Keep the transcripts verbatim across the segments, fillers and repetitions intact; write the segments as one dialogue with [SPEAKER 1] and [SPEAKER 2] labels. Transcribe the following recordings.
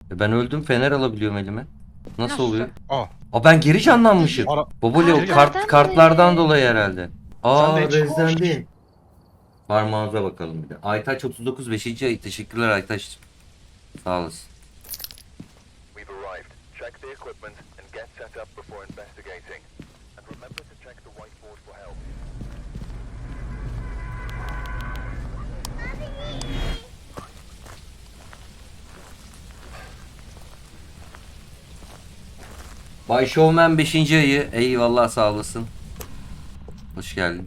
[SPEAKER 1] E ben öldüm, fener alabiliyorum elime. Nasıl,
[SPEAKER 2] Nasıl?
[SPEAKER 1] oluyor?
[SPEAKER 3] Aa.
[SPEAKER 1] Aa, ben geri canlanmışım.
[SPEAKER 3] Ara...
[SPEAKER 1] Baba Leo,
[SPEAKER 2] Kartlardan
[SPEAKER 1] kart,
[SPEAKER 2] dolayı.
[SPEAKER 1] kartlardan dolayı herhalde.
[SPEAKER 3] Sen de
[SPEAKER 1] Aa,
[SPEAKER 3] hiç-
[SPEAKER 1] rezlendi. Parmağınıza bakalım bir de. Aytaç otuz dokuz beşinci ay. Teşekkürler Aytaç. Sağ olasın.
[SPEAKER 4] We've arrived. Check the equipment and get set up before investigating. And remember to check the whiteboard for help.
[SPEAKER 1] Bay Showman beşinci ayı. Eyvallah, sağ olasın. Hoş geldin.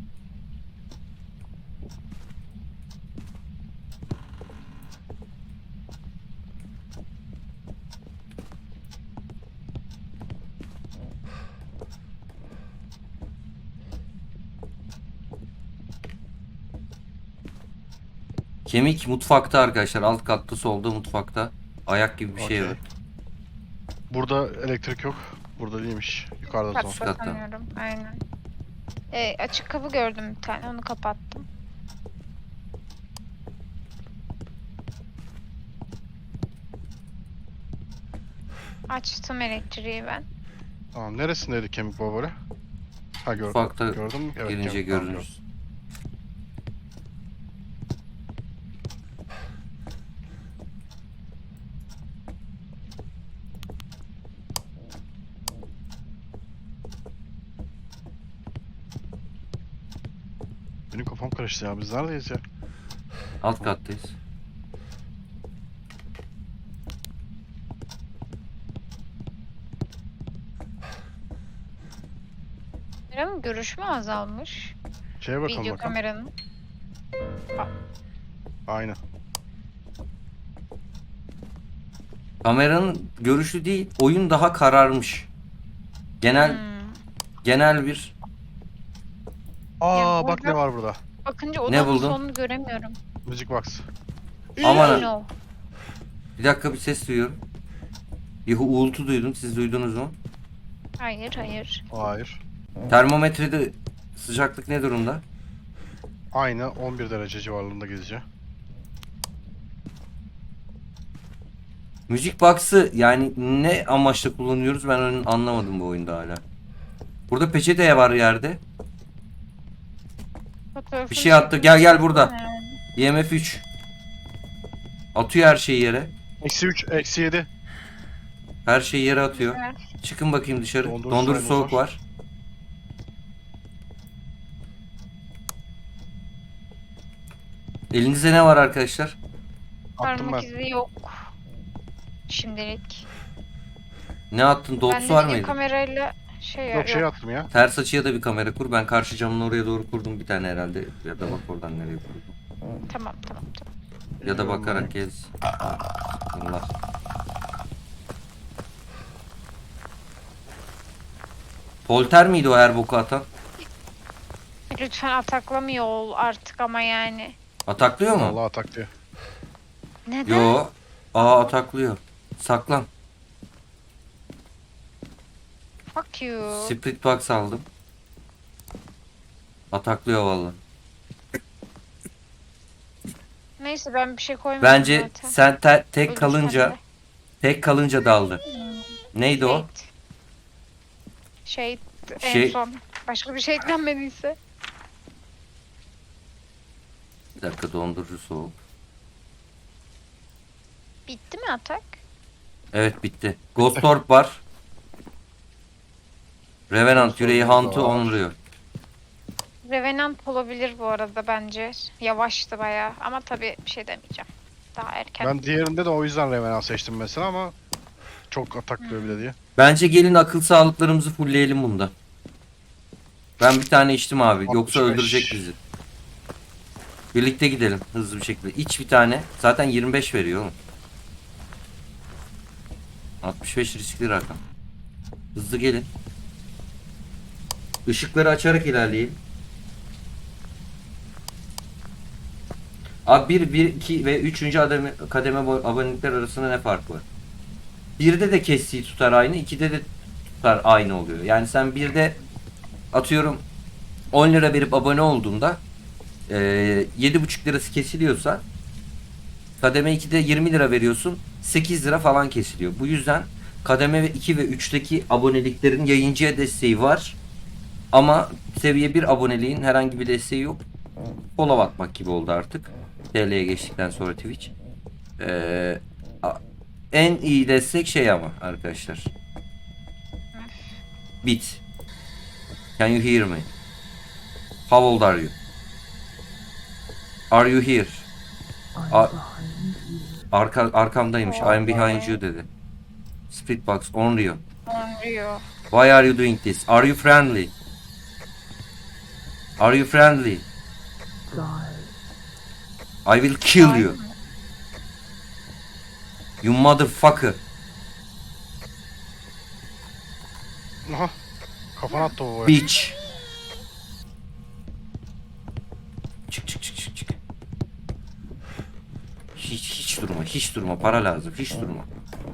[SPEAKER 1] Kemik mutfakta arkadaşlar. Alt katta solda mutfakta. Ayak gibi bir şey
[SPEAKER 3] Okey.
[SPEAKER 1] var.
[SPEAKER 3] Burada elektrik yok. Burada değilmiş. Yukarıda son.
[SPEAKER 2] Katta
[SPEAKER 1] katta.
[SPEAKER 2] sanıyorum. Aynen. E, açık kapı gördüm bir tane. Onu kapattım. Açtım elektriği ben.
[SPEAKER 3] Tamam. Neresindeydi kemik baba böyle? Ha gör
[SPEAKER 1] Mutfakta
[SPEAKER 3] gördün mü? Evet,
[SPEAKER 1] girince
[SPEAKER 3] kemik, tamam,
[SPEAKER 1] görünür.
[SPEAKER 3] Benim kafam karıştı ya. Biz neredeyiz ya?
[SPEAKER 1] Alt kattayız.
[SPEAKER 2] Kameranın görüşü mü azalmış?
[SPEAKER 3] Şeye bakalım
[SPEAKER 2] Video
[SPEAKER 3] bakalım.
[SPEAKER 2] kameranın.
[SPEAKER 3] Aynen.
[SPEAKER 1] Kameranın görüşü değil, oyun daha kararmış. Genel
[SPEAKER 2] Hmm.
[SPEAKER 1] genel bir
[SPEAKER 3] Aa
[SPEAKER 2] Ya
[SPEAKER 3] bak ne
[SPEAKER 2] burada-
[SPEAKER 3] var burada.
[SPEAKER 2] Bakınca
[SPEAKER 1] Ne
[SPEAKER 2] odanın
[SPEAKER 1] buldun?
[SPEAKER 2] sonunu göremiyorum.
[SPEAKER 3] Müzik box.
[SPEAKER 1] Aman.
[SPEAKER 2] No.
[SPEAKER 1] Bir dakika, bir ses duyuyorum. Bir uğultu duydum. Siz duydunuz mu?
[SPEAKER 2] Hayır hayır.
[SPEAKER 3] Hayır.
[SPEAKER 1] Termometrede sıcaklık ne durumda?
[SPEAKER 3] Aynı on bir derece civarlarında gezici.
[SPEAKER 1] Müzik box'ı yani ne amaçla kullanıyoruz, ben onu anlamadım bu oyunda hala. Burada peçete var yerde.
[SPEAKER 2] Fotoğrafını
[SPEAKER 1] Bir şey attı. Gel gel burada.
[SPEAKER 2] Ee,
[SPEAKER 1] E M F üç. Atıyor her şeyi yere.
[SPEAKER 3] Eksi üç, eksi yedi.
[SPEAKER 1] Her şeyi yere atıyor.
[SPEAKER 2] güzel.
[SPEAKER 1] Çıkın bakayım dışarı.
[SPEAKER 3] Dondurucu
[SPEAKER 1] Dondurucu
[SPEAKER 3] sayımız
[SPEAKER 1] soğuk
[SPEAKER 3] var.
[SPEAKER 1] var. Elinizde ne var arkadaşlar?
[SPEAKER 3] Attım
[SPEAKER 2] Parmak
[SPEAKER 3] ben.
[SPEAKER 2] izi yok. Şimdilik.
[SPEAKER 1] Ne attın? Dots
[SPEAKER 2] Bende
[SPEAKER 1] var
[SPEAKER 2] video
[SPEAKER 1] mıydı?
[SPEAKER 2] kamerayla şey
[SPEAKER 3] Yok
[SPEAKER 2] yok.
[SPEAKER 3] şey attım ya.
[SPEAKER 1] Ters açıya da bir kamera kur. Ben karşı camın oraya doğru kurdum bir tane herhalde. Ya da bak oradan nereye kurdum.
[SPEAKER 2] Tamam tamam tamam.
[SPEAKER 1] Ya da bakarak gez. Allah. Polter miydi o her boku atan?
[SPEAKER 2] Lütfen ataklamıyor ol artık ama yani.
[SPEAKER 1] Ataklıyor mu?
[SPEAKER 3] Vallahi atak diyor.
[SPEAKER 2] Neden?
[SPEAKER 1] Yo. Aa, ataklıyor. Saklan.
[SPEAKER 2] Fuck you.
[SPEAKER 1] Split box aldım. Ataklıyor vallahi.
[SPEAKER 2] Neyse ben bir şey koymadım
[SPEAKER 1] Bence
[SPEAKER 2] zaten.
[SPEAKER 1] sen te- tek
[SPEAKER 2] Ölürsen
[SPEAKER 1] kalınca
[SPEAKER 2] de.
[SPEAKER 1] tek kalınca daldı. Neydi o?
[SPEAKER 2] Wait. Şey, en
[SPEAKER 1] Şey-
[SPEAKER 2] son. Başka bir şey eklenmediyse.
[SPEAKER 1] Bir dakika, dondurucu soğuk.
[SPEAKER 2] Bitti mi atak?
[SPEAKER 1] Evet, bitti. Ghost Orb var. Revenant
[SPEAKER 3] Ghost
[SPEAKER 1] yüreği
[SPEAKER 3] Orb da
[SPEAKER 1] Hunt'u
[SPEAKER 3] var.
[SPEAKER 1] onluyor.
[SPEAKER 2] Revenant olabilir bu arada bence. Yavaştı bayağı ama tabii bir şey demeyeceğim. Daha erken.
[SPEAKER 3] Ben diğerinde de o yüzden Revenant seçtim mesela ama çok atak diyor bile diye.
[SPEAKER 1] Bence gelin akıl sağlıklarımızı fullleyelim bunda. Ben bir tane içtim abi. Yoksa
[SPEAKER 3] altmış beş.
[SPEAKER 1] öldürecek bizi. Birlikte gidelim hızlı bir şekilde. İç bir tane. Zaten yirmi beş veriyor oğlum. altmış beş riskli rakam. Hızlı gelin. Işıkları açarak ilerleyelim. Abi bir, bir, iki ve üçüncü kademe, kademe bo- abonelikler arasında ne fark var? birde de kestiği tutar aynı, ikide de tutar aynı oluyor. Yani sen birde atıyorum on lira verip abone olduğunda e, yedi buçuk lirası kesiliyorsa Kademe ikide yirmi lira veriyorsun. sekiz lira falan kesiliyor. Bu yüzden kademe iki ve üçteki aboneliklerin yayıncıya desteği var. Ama seviye bir aboneliğin herhangi bir desteği yok. Follow atmak gibi oldu artık. T L'ye geçtikten sonra Twitch. Ee, a- en iyi destek şey ama arkadaşlar. Bit. Can you hear me? How old are you? Are you here? A- Arka, arkamdaymış. I'm behind you dedi. Splitbox on Rio.
[SPEAKER 2] Anlıyor.
[SPEAKER 1] Why are you doing this? Are you friendly? Are you friendly? I will kill you. You motherfucker.
[SPEAKER 3] Aha. Kafana attı o.
[SPEAKER 1] Bitch. Çık çık çık çık çık. Hiç hiç durma, hiç durma. Para lazım, hiç durma.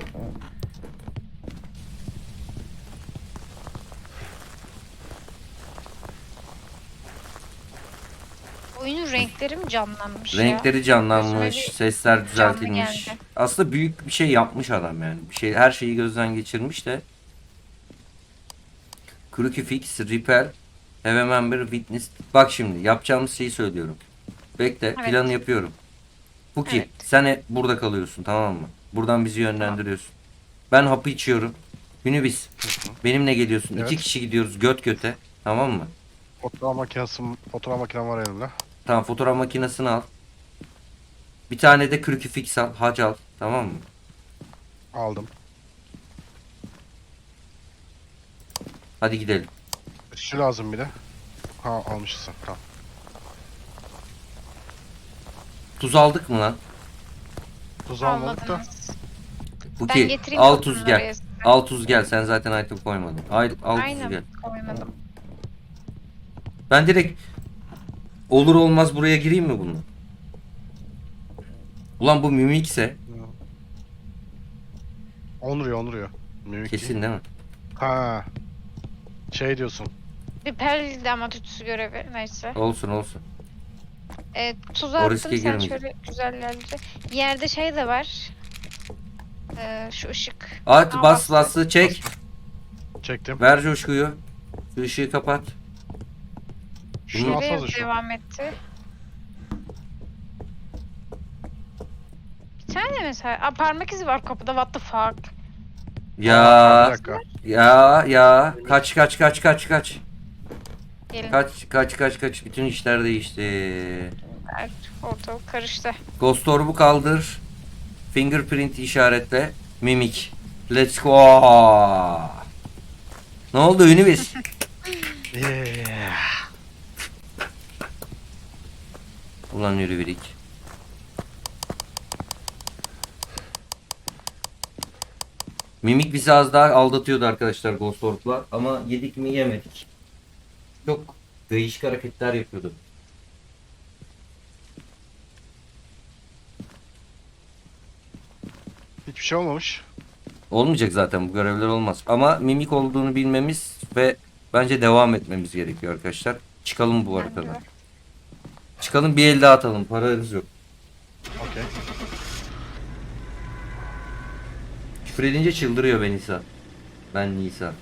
[SPEAKER 2] Oyunun renkleri mi canlanmış ya?
[SPEAKER 1] Renkleri canlanmış,
[SPEAKER 2] Gözüme bir
[SPEAKER 1] sesler
[SPEAKER 2] canlı
[SPEAKER 1] düzeltilmiş.
[SPEAKER 2] geldi.
[SPEAKER 1] Aslında büyük bir şey yapmış adam yani. Bir şey, her şeyi gözden geçirmiş de. Crucifix, Repel, Have a Member, Witness. Bak şimdi yapacağımız şeyi söylüyorum. Bekle,
[SPEAKER 2] Evet.
[SPEAKER 1] planı yapıyorum. Bu ki
[SPEAKER 2] Evet.
[SPEAKER 1] sen hep burada kalıyorsun, tamam mı? Buradan bizi yönlendiriyorsun. Ben hapı içiyorum. Günübis. Benimle geliyorsun.
[SPEAKER 3] Evet.
[SPEAKER 1] İki kişi gidiyoruz göt göte. Tamam mı?
[SPEAKER 3] Fotoğraf makinesi, fotoğraf makinem var elimde.
[SPEAKER 1] Tamam, fotoğraf makinesini al. Bir tane de Crucifix al. Hac al. Tamam mı?
[SPEAKER 3] Aldım.
[SPEAKER 1] Hadi gidelim.
[SPEAKER 3] Şu lazım bir de. Ha almışsın. Tamam.
[SPEAKER 1] Tuz aldık mı lan?
[SPEAKER 3] Tuz almadık da.
[SPEAKER 2] Almadınız.
[SPEAKER 1] Bu
[SPEAKER 2] Ben
[SPEAKER 1] ki
[SPEAKER 2] getireyim
[SPEAKER 1] al
[SPEAKER 2] bakın
[SPEAKER 1] tuz gel.
[SPEAKER 2] oraya size.
[SPEAKER 1] Al tuz gel. Sen zaten item koymadın. Al, al tuz
[SPEAKER 2] Aynen
[SPEAKER 1] gel.
[SPEAKER 2] koymadım.
[SPEAKER 1] Ben direkt olur olmaz buraya gireyim mi bununla? Ulan bu mimikse
[SPEAKER 3] Onuruyor onuruyor. Mimik değil.
[SPEAKER 1] kesin değil mi?
[SPEAKER 3] Ha. Şey diyorsun.
[SPEAKER 2] Bir perliydi ama tütsü görevi. Neyse.
[SPEAKER 1] Olsun olsun.
[SPEAKER 2] E, tuz
[SPEAKER 1] O
[SPEAKER 2] attım
[SPEAKER 1] riske
[SPEAKER 2] sen
[SPEAKER 1] girmeyeceğim.
[SPEAKER 2] şöyle güzellerce. Yerde şey de var. E, şu ışık.
[SPEAKER 1] At
[SPEAKER 2] Aa,
[SPEAKER 1] bas
[SPEAKER 2] bastı.
[SPEAKER 1] bası çek.
[SPEAKER 3] Çektim.
[SPEAKER 1] Ver coşkuyu. Şu ışığı kapat.
[SPEAKER 3] Şunu
[SPEAKER 2] Şuraya
[SPEAKER 3] atsanıza şu.
[SPEAKER 2] devam etti. Bir tane mesela. Aa, parmak izi var kapıda. What the fuck?
[SPEAKER 3] Aa, bir
[SPEAKER 1] Ya
[SPEAKER 3] dakika.
[SPEAKER 1] ya ya kaç kaç kaç kaç kaç.
[SPEAKER 2] Gelin.
[SPEAKER 1] Kaç kaç kaç kaç bütün işler değişti.
[SPEAKER 2] Evet, ortalık karıştı.
[SPEAKER 1] Ghost Orb'u kaldır. Fingerprint işaretle. Mimik. Let's go. Ne oldu Ünivez?
[SPEAKER 3] Yeah.
[SPEAKER 1] Ulan yürü birik. Mimik bizi az daha aldatıyordu arkadaşlar Ghost Orb'la ama yedik mi yemedik. Çok değişik hareketler yapıyordu.
[SPEAKER 3] Hiçbir şey olmamış.
[SPEAKER 1] Olmayacak zaten, bu görevler olmaz. Ama mimik olduğunu bilmemiz ve bence devam etmemiz gerekiyor arkadaşlar. Çıkalım bu haritadan. Çıkalım, bir el daha atalım. Paramız yok.
[SPEAKER 3] Okey.
[SPEAKER 1] Küfür edince çıldırıyor ben Nisa. Ben Nisa.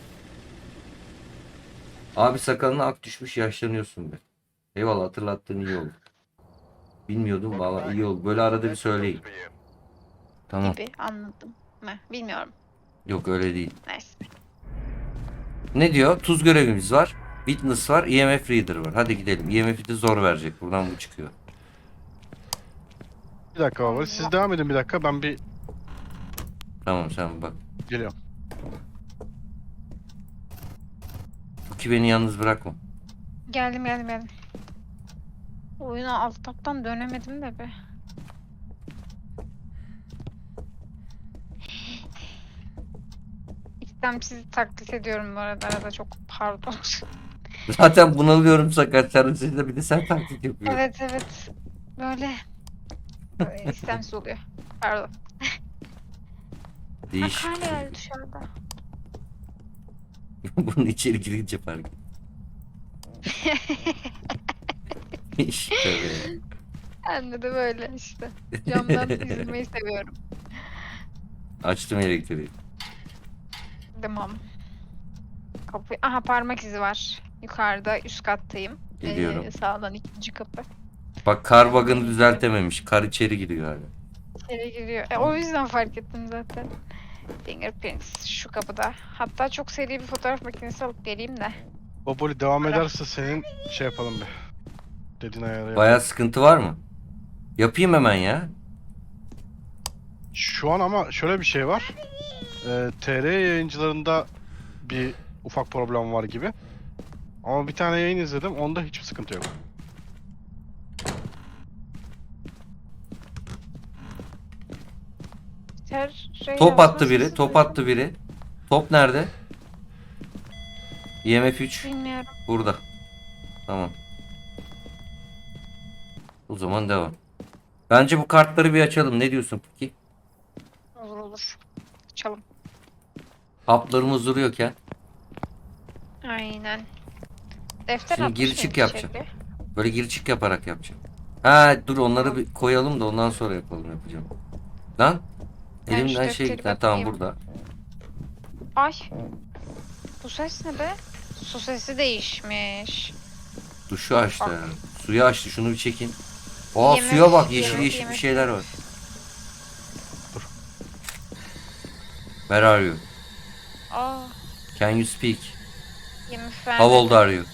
[SPEAKER 1] Abi sakalına ak düşmüş, yaşlanıyorsun be. Eyvallah, hatırlattığın iyi oldu. Bilmiyordum valla, iyi oldu. Böyle arada bir söyleyin.
[SPEAKER 4] For you.
[SPEAKER 1] Tamam.
[SPEAKER 2] Gibi anladım. Ne? Bilmiyorum.
[SPEAKER 1] Yok öyle değil.
[SPEAKER 2] Neyse.
[SPEAKER 1] Ne diyor? Tuz görevimiz var. Witness var. E M F Reader var. Hadi gidelim. E M F'i de zor verecek. Buradan bu çıkıyor.
[SPEAKER 3] Bir dakika baba. Siz devam edin bir dakika. Ben bir
[SPEAKER 1] Tamam sen bak.
[SPEAKER 3] geliyorum.
[SPEAKER 1] Bu ki beni yalnız bırakma.
[SPEAKER 2] Geldim geldim geldim. Oyuna alttan dönemedim de be. İstemsiz taklit ediyorum bu arada. Arada çok pardon.
[SPEAKER 1] Zaten bunalıyorum sakat. Sen bir de sen taklit yapıyorsun.
[SPEAKER 2] Evet evet. Böyle. Böyle istemsiz oluyor. Pardon.
[SPEAKER 1] Değişik.
[SPEAKER 2] Bak hala geldi dışarıda.
[SPEAKER 1] Bunun içeri girince fark et. İşte be.
[SPEAKER 2] Ben de böyle işte. Camdan izlemeyi seviyorum.
[SPEAKER 1] Açtım elektriği.
[SPEAKER 2] Tamam. Kapı. Aha, parmak izi var. Yukarıda üst kattayım.
[SPEAKER 1] Geliyorum.
[SPEAKER 2] Ee, sağdan ikinci kapı.
[SPEAKER 1] Bak kar bug'ını düzeltememiş. Kar içeri giriyor hala.
[SPEAKER 2] İçeri giriyor. E, o yüzden fark ettim zaten. Fingerprints şu kapıda. Hatta çok seri bir fotoğraf makinesi alıp geleyim de.
[SPEAKER 3] Baboli devam
[SPEAKER 2] Ara.
[SPEAKER 3] ederse senin şey yapalım bir. Dediğin ayarı
[SPEAKER 1] Bayağı sıkıntı var mı? Yapayım hemen ya.
[SPEAKER 3] Şu an ama şöyle bir şey var. Ee, T R yayıncılarında bir ufak problem var gibi. Ama bir tane yayın izledim. Onda hiçbir sıkıntı yok.
[SPEAKER 2] Ter, şey
[SPEAKER 1] Top
[SPEAKER 2] yazma
[SPEAKER 1] attı biri.
[SPEAKER 2] sesi
[SPEAKER 1] Top
[SPEAKER 2] duydum.
[SPEAKER 1] attı biri. Top nerede? I M F üç.
[SPEAKER 2] Bilmiyorum.
[SPEAKER 1] Burada. Tamam. O zaman devam. Bence bu kartları bir açalım. Ne diyorsun peki?
[SPEAKER 2] Olur olur. Açalım.
[SPEAKER 1] Haplarımız duruyorken.
[SPEAKER 2] Aynen. Defter
[SPEAKER 1] Şimdi
[SPEAKER 2] atmış
[SPEAKER 1] gir
[SPEAKER 2] mıydı
[SPEAKER 1] çık yapacağım.
[SPEAKER 2] içeri?
[SPEAKER 1] Böyle gir çık yaparak yapacağım. Ha dur onları bir koyalım da ondan sonra yapalım yapacağım. Lan.
[SPEAKER 2] Ben şu
[SPEAKER 1] Elimden şey
[SPEAKER 2] defteri
[SPEAKER 1] gitti. Ha, tamam
[SPEAKER 2] bakayım.
[SPEAKER 1] burada.
[SPEAKER 2] Ay. Bu ses ne be? Su sesi değişmiş.
[SPEAKER 1] Duşu açtı
[SPEAKER 2] Bak.
[SPEAKER 1] yani. Suyu açtı. Şunu bir çekin. Aa
[SPEAKER 2] Yemek,
[SPEAKER 1] suya bak. Yeşil
[SPEAKER 2] yemek,
[SPEAKER 1] yeşil bir
[SPEAKER 2] yemek.
[SPEAKER 1] şeyler var. Where are you?
[SPEAKER 2] Aa.
[SPEAKER 1] Can you speak?
[SPEAKER 2] Yemek
[SPEAKER 1] How old are you?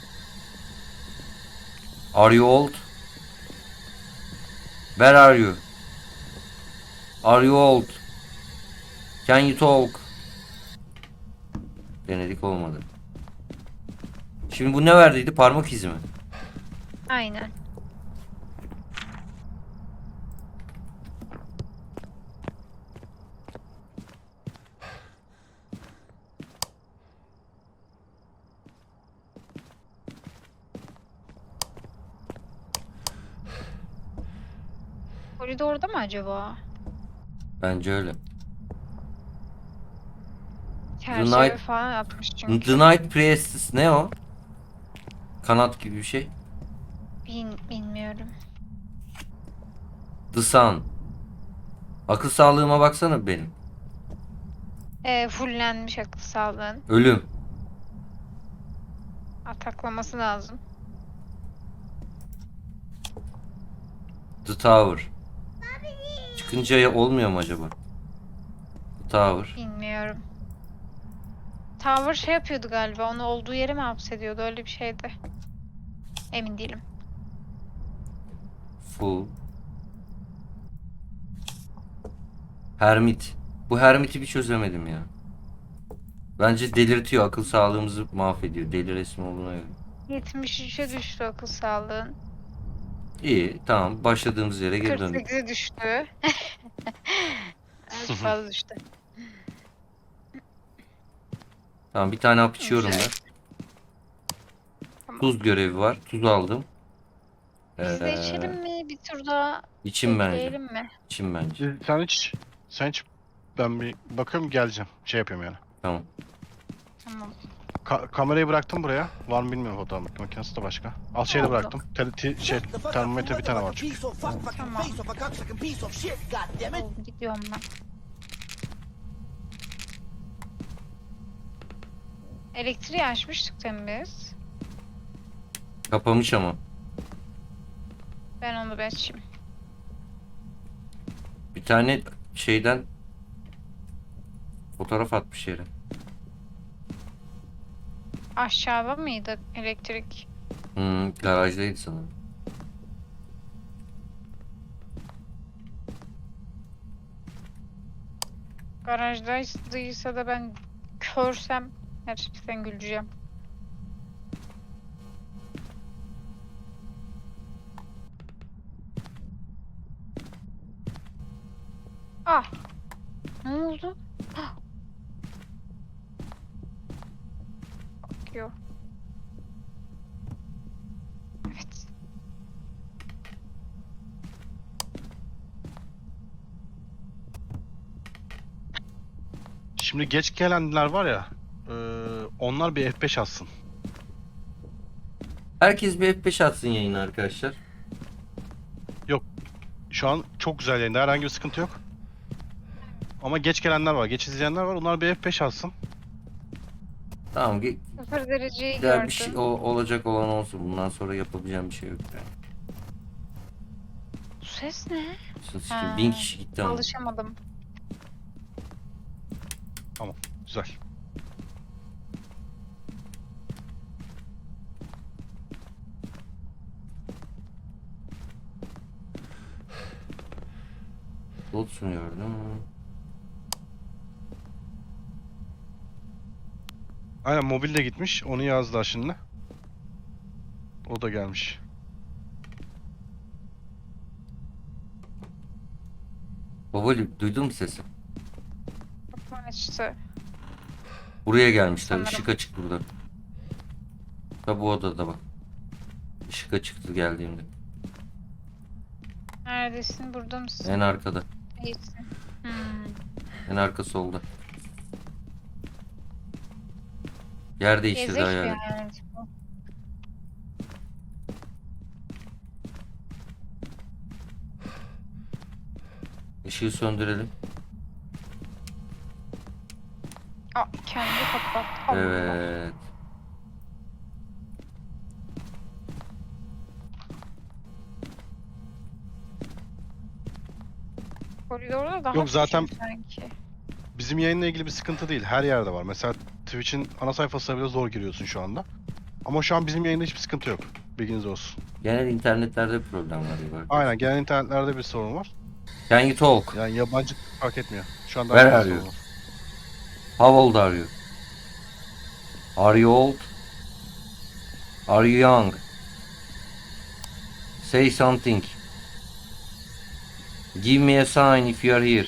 [SPEAKER 1] Are you old? Where are you? Are you old? Can you talk? Denedik olmadı. Şimdi bu ne verdiydi? Parmak izi mi?
[SPEAKER 2] Aynen. Koridorda mı acaba?
[SPEAKER 1] Bence öyle.
[SPEAKER 2] Çerçeve
[SPEAKER 1] Night-
[SPEAKER 2] falan atmış çünkü.
[SPEAKER 1] The Night Priestess ne o? Kanat gibi bir şey.
[SPEAKER 2] Bin, bilmiyorum.
[SPEAKER 1] The Sun. Akıl sağlığıma baksana benim.
[SPEAKER 2] Ee, fullenmiş akıl sağlığın.
[SPEAKER 1] Ölüm.
[SPEAKER 2] Ataklaması lazım.
[SPEAKER 1] The Tower. Çıkınca ya- olmuyor mu acaba? The Tower.
[SPEAKER 2] Bilmiyorum. Tower şey yapıyordu galiba. Onu olduğu yere mi hapsediyordu? Öyle bir şeydi. Emin değilim.
[SPEAKER 1] Full. Hermit. Bu Hermit'i bir çözemedim ya. Bence delirtiyor. Akıl sağlığımızı mahvediyor. Deli resmi olduğuna göre.
[SPEAKER 2] yetmiş üçe düştü akıl sağlığın.
[SPEAKER 1] İyi. Tamam. Başladığımız yere geri
[SPEAKER 2] kırk
[SPEAKER 1] döndük.
[SPEAKER 2] sekize düştü. Az fazla düştü.
[SPEAKER 1] Tamam. Bir tane hap içiyorum ben.
[SPEAKER 2] Tamam.
[SPEAKER 1] Tuz görevi var. Tuz aldım.
[SPEAKER 2] Biz de
[SPEAKER 1] Ee,
[SPEAKER 2] içelim mi? Bir tur daha
[SPEAKER 1] İçim bence.
[SPEAKER 2] bekleyelim mi?
[SPEAKER 1] İçim bence.
[SPEAKER 3] Sen hiç, sen hiç ben bir bakıyorum geleceğim. Şey yapıyorum yani.
[SPEAKER 1] Tamam.
[SPEAKER 2] Tamam.
[SPEAKER 3] Ka- kamerayı bıraktım buraya. Var mı bilmiyorum fotoğraf makinesi de başka. Al şeyi de
[SPEAKER 2] Oldu.
[SPEAKER 3] bıraktım. Tel, ti- şey, termometre bir tane var çünkü.
[SPEAKER 2] Tamam. Oldu, gidiyorum ben. Elektriği açmıştık değil mi biz?
[SPEAKER 1] Kapamış ama.
[SPEAKER 2] Ben onu bir açayım.
[SPEAKER 1] Bir tane şeyden fotoğraf atmış yere.
[SPEAKER 2] Aşağıda mıydı elektrik?
[SPEAKER 1] Hmm, garajdaydı sanırım.
[SPEAKER 2] Garajdaysa da ben körsem gerçekten güleceğim. Ah! Ne oldu? Ah! Bakıyor. Evet.
[SPEAKER 3] Şimdi geç gelenler var ya. E, onlar bir F beş atsın.
[SPEAKER 1] Herkes bir F beş atsın yayına arkadaşlar.
[SPEAKER 3] Şu an çok güzel yayında. Herhangi bir sıkıntı yok. Ama geç gelenler var. Geç izleyenler var. Onlar bir F beş alsın.
[SPEAKER 1] Tamam ge-
[SPEAKER 2] Sıfır dereceyi
[SPEAKER 1] güzel
[SPEAKER 2] gördüm.
[SPEAKER 1] bir şey o- olacak olan olsun. Bundan sonra yapabileceğim bir şey yok yani.
[SPEAKER 2] Bu ses ne?
[SPEAKER 1] Sus
[SPEAKER 2] Ha,
[SPEAKER 1] ki bin kişi gitti ama.
[SPEAKER 2] Alışamadım.
[SPEAKER 3] Güzel.
[SPEAKER 1] Lotus'unu gördüm.
[SPEAKER 3] Aynen mobil de gitmiş. Onu yazdılar şimdi. O da gelmiş.
[SPEAKER 1] Babali duydun mu sesi?
[SPEAKER 2] Kapı açtı.
[SPEAKER 1] Buraya gelmiş tabii.
[SPEAKER 2] Sanırım.
[SPEAKER 1] Işık açık burada. Tabi bu odada bak. Işık açıktı geldiğimde.
[SPEAKER 2] Neredesin? Burada mısın?
[SPEAKER 1] En arkada.
[SPEAKER 2] İyisin. Hmm.
[SPEAKER 1] En arka solda. Yer değiştirdi
[SPEAKER 2] Gezek bir
[SPEAKER 1] hayal.
[SPEAKER 2] hayalet bu.
[SPEAKER 1] Işığı söndürelim.
[SPEAKER 2] Aa, kendi kapat. Allah.
[SPEAKER 1] Evet.
[SPEAKER 2] Koridorda daha
[SPEAKER 3] Yok, zaten-
[SPEAKER 2] küçük sanki.
[SPEAKER 3] Bizim yayınla ilgili bir sıkıntı değil. Her yerde var. Mesela Twitch'in ana sayfasına bile zor giriyorsun şu anda. Ama şu an bizim yayında hiçbir sıkıntı yok. Bilginiz olsun.
[SPEAKER 1] Genel internetlerde bir problem var. Diyor.
[SPEAKER 3] Aynen, genel internetlerde bir sorun var.
[SPEAKER 1] Can you talk?
[SPEAKER 3] Yani yabancı fark etmiyor. Şu anda
[SPEAKER 1] Where
[SPEAKER 3] herkes
[SPEAKER 1] are you?
[SPEAKER 3] sorun var.
[SPEAKER 1] How old are you? Are you old? Are you young? Say something. Give me a sign if you are here.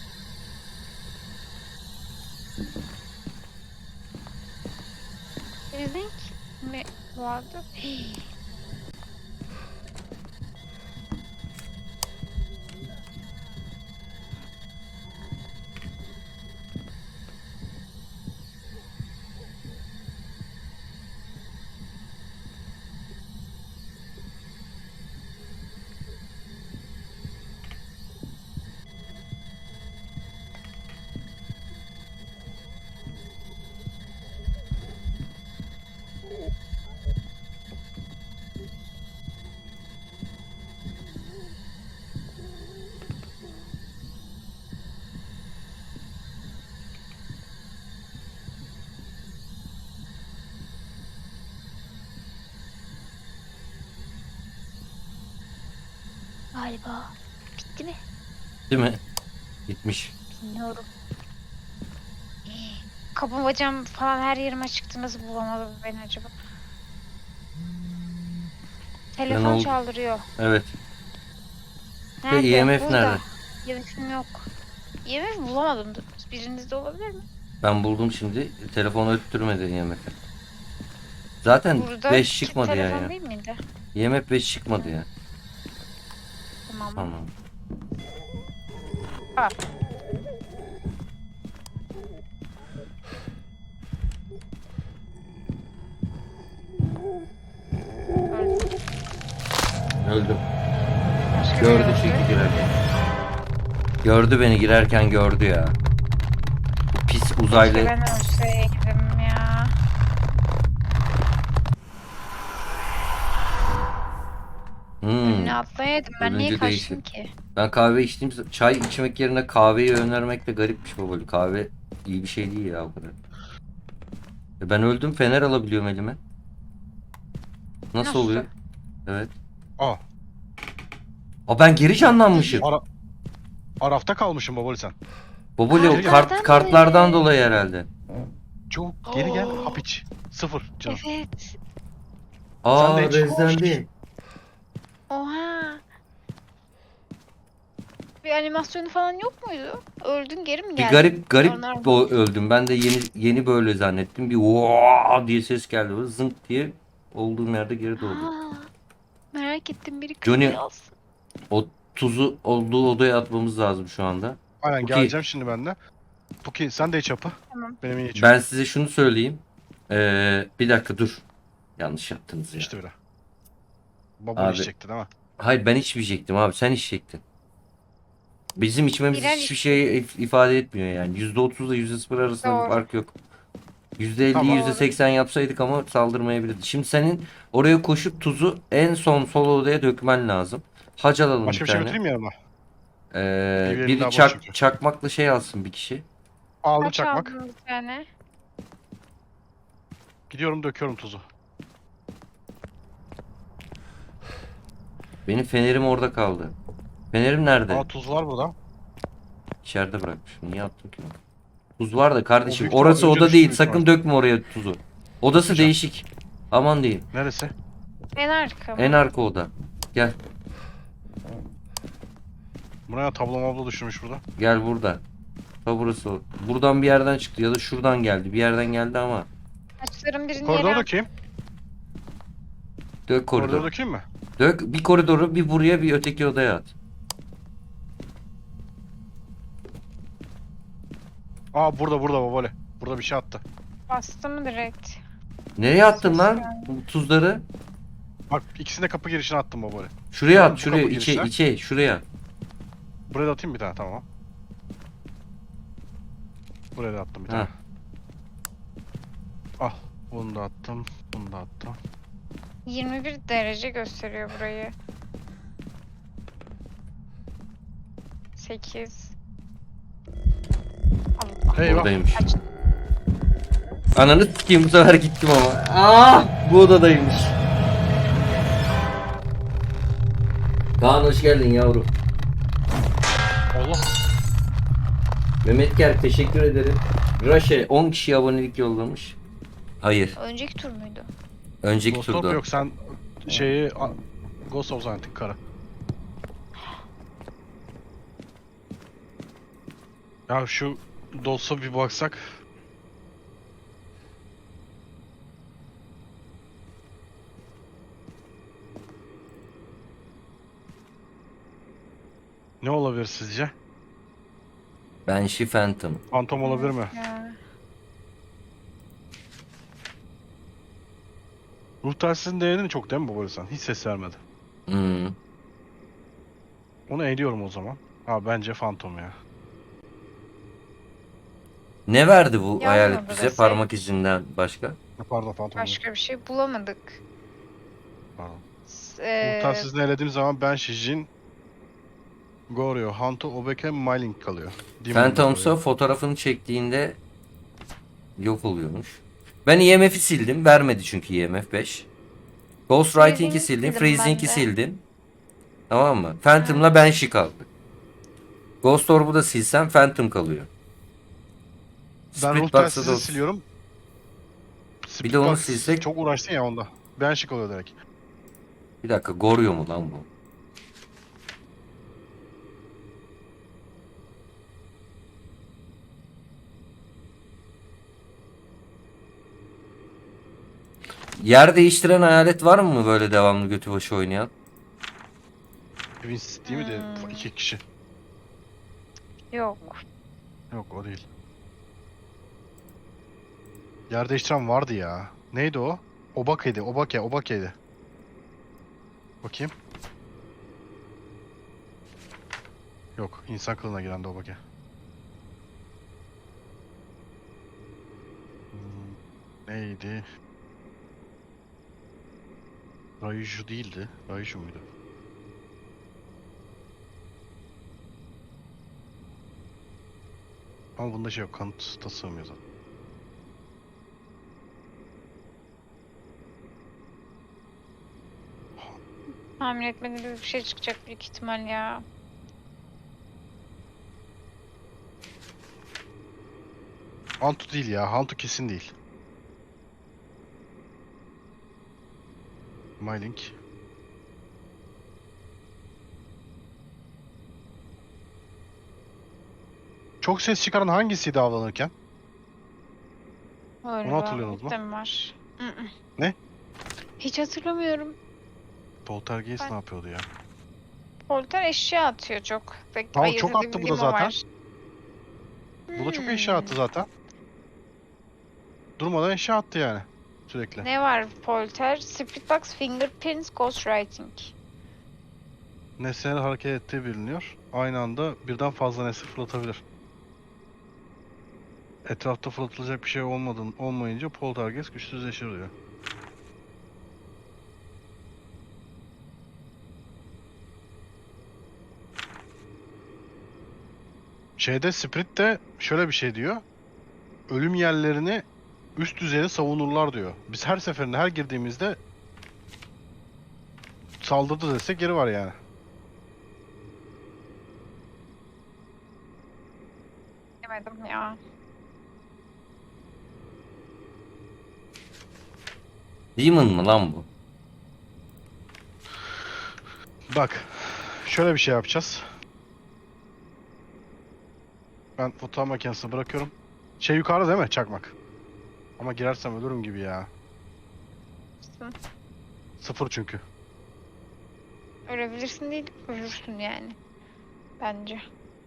[SPEAKER 2] Link mi vardı? Hii. Galiba. Bitti mi?
[SPEAKER 1] Değil mi? Gitmiş.
[SPEAKER 2] Bilmiyorum. Hii. Kapım bacağım falan her yerime çıktı. Nasıl bulamadı bu beni acaba? Telefon
[SPEAKER 1] oldu?
[SPEAKER 2] çaldırıyor.
[SPEAKER 1] Evet.
[SPEAKER 2] Nerede?
[SPEAKER 1] E M F
[SPEAKER 2] Burada.
[SPEAKER 1] nerede?
[SPEAKER 2] E M F'im yok. E M F bulamadım. Birinizde olabilir mi?
[SPEAKER 1] Ben buldum şimdi. Telefonu öttürmedi E M F. Zaten
[SPEAKER 2] Burada
[SPEAKER 1] beş
[SPEAKER 2] ki
[SPEAKER 1] çıkmadı ya.
[SPEAKER 2] telefon
[SPEAKER 1] ya.
[SPEAKER 2] değil miydi?
[SPEAKER 1] E M F beş çıkmadı ya.
[SPEAKER 2] Tamam.
[SPEAKER 1] Tamam.
[SPEAKER 2] Aa. Öldüm.
[SPEAKER 1] Öldüm.
[SPEAKER 2] Başka
[SPEAKER 1] Gördü
[SPEAKER 2] biri
[SPEAKER 1] çünkü
[SPEAKER 2] öldü.
[SPEAKER 1] girerken. Gördü beni girerken gördü ya. Bu pis uzaylı.
[SPEAKER 2] Keşke ben ölseydim ya.
[SPEAKER 1] Hmm.
[SPEAKER 2] Önüne atlayaydım. Ben niye
[SPEAKER 1] Ölünce
[SPEAKER 2] kaçtım
[SPEAKER 1] değişir.
[SPEAKER 2] ki?
[SPEAKER 1] Ben kahve içtiğim z- çay içmek yerine kahveyi önermek de garipmiş babali. Kahve iyi bir şey değil ya o kadar. E ben öldüm, fener alabiliyorum elime. Nasıl,
[SPEAKER 2] Nasıl?
[SPEAKER 1] oluyor? Evet.
[SPEAKER 3] Aa,
[SPEAKER 1] Aa ben geri canlanmışım.
[SPEAKER 3] ara Arafta kalmışım babali sen.
[SPEAKER 1] Babali o
[SPEAKER 2] Kartlardan
[SPEAKER 1] kart kartlardan
[SPEAKER 2] dolayı.
[SPEAKER 1] dolayı herhalde.
[SPEAKER 3] Çok geri gel,
[SPEAKER 2] Oo.
[SPEAKER 3] hap iç. Sıfır canım.
[SPEAKER 2] Evet.
[SPEAKER 1] Aa
[SPEAKER 3] Sen de hiç-
[SPEAKER 1] rezlendi.
[SPEAKER 2] Oha. Bir animasyonu falan yok muydu? Öldün geri mi
[SPEAKER 1] Bir
[SPEAKER 2] geldin?
[SPEAKER 1] garip garip
[SPEAKER 2] Normal.
[SPEAKER 1] o öldüm. Ben de yeni yeni böyle zannettim. Bir vaa diye ses geldi. Böyle zınk diye olduğum yerde geri doğdum.
[SPEAKER 2] Aa, merak ettim biri
[SPEAKER 1] Johnny-
[SPEAKER 2] kızı alsın.
[SPEAKER 1] O tuzu olduğu odaya atmamız lazım şu anda.
[SPEAKER 3] Aynen,
[SPEAKER 1] Puki.
[SPEAKER 3] geleceğim şimdi ben de. Puki sen de iç hapı.
[SPEAKER 2] Tamam.
[SPEAKER 3] Benim iyi içim.
[SPEAKER 1] Ben size şunu söyleyeyim. Ee, bir dakika dur. Yanlış yaptınız ya.
[SPEAKER 3] İçti bile. Babali
[SPEAKER 1] Abi.
[SPEAKER 3] içecekti değil mi?
[SPEAKER 1] Hayır ben içmeyecektim abi. Sen içecektin. Bizim içmemiz
[SPEAKER 2] Birer
[SPEAKER 1] hiçbir şey if- ifade etmiyor yani. yüzde otuz ile yüzde sıfır arasında bir
[SPEAKER 2] Doğru.
[SPEAKER 1] fark yok. yüzde elli
[SPEAKER 3] Tamam.
[SPEAKER 1] yüzde seksen yapsaydık ama saldırmayabilirdi. Şimdi senin oraya koşup tuzu en son sol odaya dökmen lazım. Hac alalım
[SPEAKER 3] Başka
[SPEAKER 1] bir
[SPEAKER 3] bir şey
[SPEAKER 1] tane.
[SPEAKER 3] götüreyim mi yanıma?
[SPEAKER 1] Ee,
[SPEAKER 3] Bir verim
[SPEAKER 1] biri
[SPEAKER 3] daha boş
[SPEAKER 1] çak,
[SPEAKER 3] çünkü.
[SPEAKER 1] çakmakla şey alsın bir kişi.
[SPEAKER 3] Aldım
[SPEAKER 2] Kaç
[SPEAKER 3] çakmak.
[SPEAKER 2] aldın bir tane?
[SPEAKER 3] Gidiyorum döküyorum tuzu.
[SPEAKER 1] Benim fenerim orada kaldı. Fenerim nerede?
[SPEAKER 3] Aa tuz var burada.
[SPEAKER 1] İçeride bırakmışım. Niye attım ki onu? Tuz var da kardeşim.
[SPEAKER 3] büyük
[SPEAKER 1] Orası
[SPEAKER 3] ihtimal önce
[SPEAKER 1] oda
[SPEAKER 3] düştü
[SPEAKER 1] değil.
[SPEAKER 3] büyük
[SPEAKER 1] Sakın
[SPEAKER 3] ihtimal.
[SPEAKER 1] dökme oraya tuzu. Odası
[SPEAKER 3] Dökmeyeceğim.
[SPEAKER 1] değişik. Aman diyeyim.
[SPEAKER 3] Neresi?
[SPEAKER 2] En arka mı?
[SPEAKER 1] En arka oda. Gel.
[SPEAKER 3] Buraya tablo mablo düşürmüş burada.
[SPEAKER 1] Gel burada. Ha burası o. Buradan bir yerden çıktı ya da şuradan geldi. Bir yerden geldi ama.
[SPEAKER 2] Saçların birini
[SPEAKER 3] Koridora
[SPEAKER 2] yere
[SPEAKER 3] dökeyim.
[SPEAKER 1] Dök
[SPEAKER 3] Koridora
[SPEAKER 1] koridoru.
[SPEAKER 3] dökeyim mi?
[SPEAKER 1] Dök bir koridoru bir buraya bir öteki odaya at.
[SPEAKER 3] Aa burada burada babole. Burada bir şey attı.
[SPEAKER 2] bastı mı direkt?
[SPEAKER 1] Nereye attın
[SPEAKER 2] Ses
[SPEAKER 1] lan
[SPEAKER 2] geldi.
[SPEAKER 1] bu tuzları?
[SPEAKER 3] Bak ikisini de kapı girişine attım babole.
[SPEAKER 1] Şuraya
[SPEAKER 3] Bu
[SPEAKER 1] at şuraya
[SPEAKER 3] kapı
[SPEAKER 1] içe
[SPEAKER 3] girişine.
[SPEAKER 1] içe şuraya.
[SPEAKER 3] Buraya da atayım bir tane tamam. Buraya da attım bir tane.
[SPEAKER 1] Ha.
[SPEAKER 3] Al. Bunu da attım. Bunu da attım.
[SPEAKER 2] yirmi bir derece gösteriyor burayı. sekiz. Allah.
[SPEAKER 3] Eyvah.
[SPEAKER 1] Buradaymış.
[SPEAKER 2] Aç.
[SPEAKER 1] Ananı sikeyim bu sefer gittim ama. Ah bu odadaymış. Kaan hoş geldin yavrum.
[SPEAKER 3] Allah.
[SPEAKER 1] Mehmet Ger teşekkür ederim. Raşe on kişi abonelik yollamış. Hayır.
[SPEAKER 2] Önceki tur muydu?
[SPEAKER 1] Önceki
[SPEAKER 3] Ghost Orb
[SPEAKER 1] turda.
[SPEAKER 3] yok sen şeyi a- Ghost of zannettin kara. Ya şu Dos'a bir baksak. Ne olabilir sizce?
[SPEAKER 1] Banshee Phantom.
[SPEAKER 3] Phantom olabilir mi?
[SPEAKER 2] Ya.
[SPEAKER 3] Ruh telsizin değerini çok değil mi bu sen? Hiç ses vermedi.
[SPEAKER 1] Hmm.
[SPEAKER 3] Onu eliyorum o zaman. Ha bence Phantom ya.
[SPEAKER 1] Ne verdi bu
[SPEAKER 2] Yazmadı
[SPEAKER 1] hayalet bize
[SPEAKER 2] desek.
[SPEAKER 1] parmak izinden başka?
[SPEAKER 3] Ha, Pardon Phantom. değil.
[SPEAKER 2] Başka bir şey bulamadık.
[SPEAKER 3] Pardon.
[SPEAKER 2] S-
[SPEAKER 3] Ruh
[SPEAKER 2] eee,
[SPEAKER 3] telsizini elediğim zaman ben Shijin, Goryo, Hanto, Obeke, Mylink kalıyor. Demon
[SPEAKER 1] Phantoms'a
[SPEAKER 3] kalıyor.
[SPEAKER 1] fotoğrafını çektiğinde yok oluyormuş. Ben E M F'i sildim. Vermedi çünkü E M F beş. Ghostwriting'i
[SPEAKER 2] Freezing'i
[SPEAKER 1] sildim.
[SPEAKER 2] sildim ben
[SPEAKER 1] Freezing'i
[SPEAKER 2] de.
[SPEAKER 1] sildim. Tamam mı? Phantom'la Banshee kaldı. Ghost Orb'u da silsem Phantom kalıyor.
[SPEAKER 3] Ben ruh
[SPEAKER 1] Spirit Box'ı
[SPEAKER 3] telsizini
[SPEAKER 1] da
[SPEAKER 3] siliyorum.
[SPEAKER 1] Bir de onu
[SPEAKER 3] Box
[SPEAKER 1] silsek-
[SPEAKER 3] Çok uğraştın ya onda. Ben şık oluyor direkt.
[SPEAKER 1] Bir dakika Goryo mu lan bu? Yer değiştiren hayalet var mı böyle devamlı götü başı oynayan?
[SPEAKER 3] Vince değil mi de
[SPEAKER 2] Hmm.
[SPEAKER 3] iki kişi.
[SPEAKER 2] Yok.
[SPEAKER 3] Yok o değil. Yer değiştiren vardı ya. Neydi o? Obake'ydi. Obake, Obake'ydi. Bakayım. Yok, insan kılığına giren de Obake. Hmm, neydi? Raiju değildi. Raiju muydu? Ama bunda şey yok, kanıt da sığmıyor zaten.
[SPEAKER 2] Tahmin etmediğim gibi bir şey çıkacak büyük ihtimal ya.
[SPEAKER 3] Hantu değil ya, Hantu kesin değil. Mylink. Çok ses çıkaran hangisiydi avlanırken?
[SPEAKER 2] Öyle
[SPEAKER 3] Onu hatırlıyorsunuz mu?
[SPEAKER 2] mi var? Mm-mm.
[SPEAKER 3] Ne?
[SPEAKER 2] Hiç hatırlamıyorum.
[SPEAKER 3] Poltergeist
[SPEAKER 2] Ben-
[SPEAKER 3] ne yapıyordu ya?
[SPEAKER 2] Polter eşya atıyor çok. Pek
[SPEAKER 3] Tamam,
[SPEAKER 2] ayırt
[SPEAKER 3] çok attı bu da
[SPEAKER 2] edebildiğim o
[SPEAKER 3] zaten.
[SPEAKER 2] var.
[SPEAKER 3] Bu da çok
[SPEAKER 2] Hmm.
[SPEAKER 3] eşya attı zaten. Durmadan eşya attı yani. Sürekli.
[SPEAKER 2] Ne var Polter? Spirit Box, Fingerprints, Ghostwriting.
[SPEAKER 3] Nesneler hareket ettiği biliniyor. aynı anda birden fazla nesne fırlatabilir. Etrafta fırlatılacak bir şey olmadığın, olmayınca poltergeist güçsüzleşir diyor. Şeyde Spirit de şöyle bir şey diyor. Ölüm yerlerini üst düzeyde savunurlar diyor. Biz her seferinde her girdiğimizde saldırdı desek geri var yani.
[SPEAKER 2] Demedim ya.
[SPEAKER 1] Demon mı lan bu?
[SPEAKER 3] Bak, şöyle bir şey yapacağız. Ben fotoğraf makinesini bırakıyorum. Şey yukarıda değil mi? Çakmak. Ama girersem ölürüm gibi ya.
[SPEAKER 2] Hı.
[SPEAKER 3] Sıfır çünkü.
[SPEAKER 2] Ölebilirsin değil, ölürsün yani. Bence.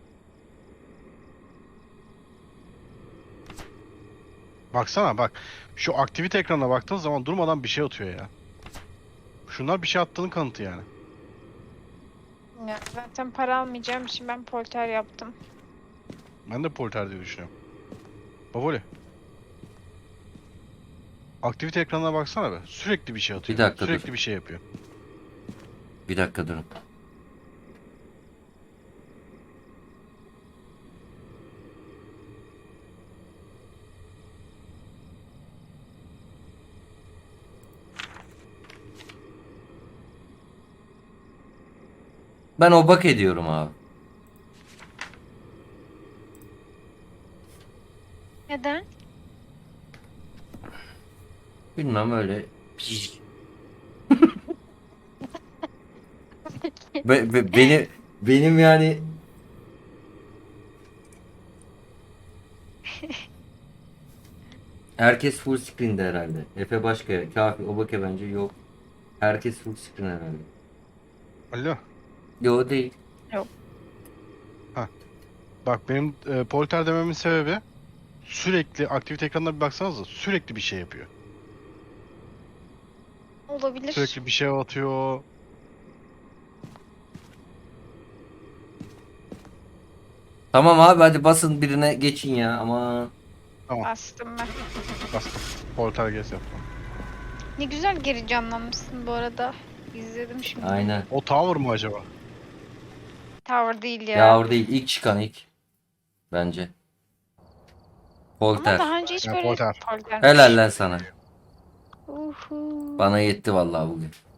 [SPEAKER 3] Baksana bak. Şu aktivite ekranına baktığın zaman durmadan bir şey atıyor ya. Şunlar bir şey attığının kanıtı yani.
[SPEAKER 2] Ya, zaten para almayacağım için ben polter yaptım.
[SPEAKER 3] Ben de polter diye düşünüyorum. Baboli. Aktivite ekranına baksana be. Sürekli bir şey atıyor.
[SPEAKER 1] Bir dakika,
[SPEAKER 3] Sürekli
[SPEAKER 1] dur.
[SPEAKER 3] bir şey yapıyor.
[SPEAKER 1] Bir dakika durun. Ben obak ediyorum abi.
[SPEAKER 2] Neden?
[SPEAKER 1] Bilmem öyle. Be, be- beni benim yani herkes full screen'de herhalde. Efe başka, Kafi, Obake bence yok. Herkes full screen herhalde.
[SPEAKER 3] Alo.
[SPEAKER 1] Yo değil.
[SPEAKER 3] Bak benim e, polter dememin sebebi sürekli aktivite ekranına bir baksanıza sürekli bir şey yapıyor.
[SPEAKER 2] Olabilir.
[SPEAKER 3] Sürekli bir şey atıyor.
[SPEAKER 1] Tamam abi hadi basın birine geçin ya ama
[SPEAKER 2] Bastım ben.
[SPEAKER 3] Bastım. Poltergeist yaptım.
[SPEAKER 2] Ne güzel geri canlanmışsın bu arada. İzledim şimdi.
[SPEAKER 1] aynen.
[SPEAKER 3] O tower mı acaba?
[SPEAKER 2] Tower değil ya.
[SPEAKER 1] Yavru değil ilk çıkan ilk. Bence.
[SPEAKER 2] Ama
[SPEAKER 1] Polter.
[SPEAKER 2] daha önce hiç
[SPEAKER 3] Ya,
[SPEAKER 2] böyle
[SPEAKER 3] polter.
[SPEAKER 2] polter.
[SPEAKER 1] Helal lan sana.
[SPEAKER 2] Uhu.
[SPEAKER 1] Bana yetti vallahi bugün.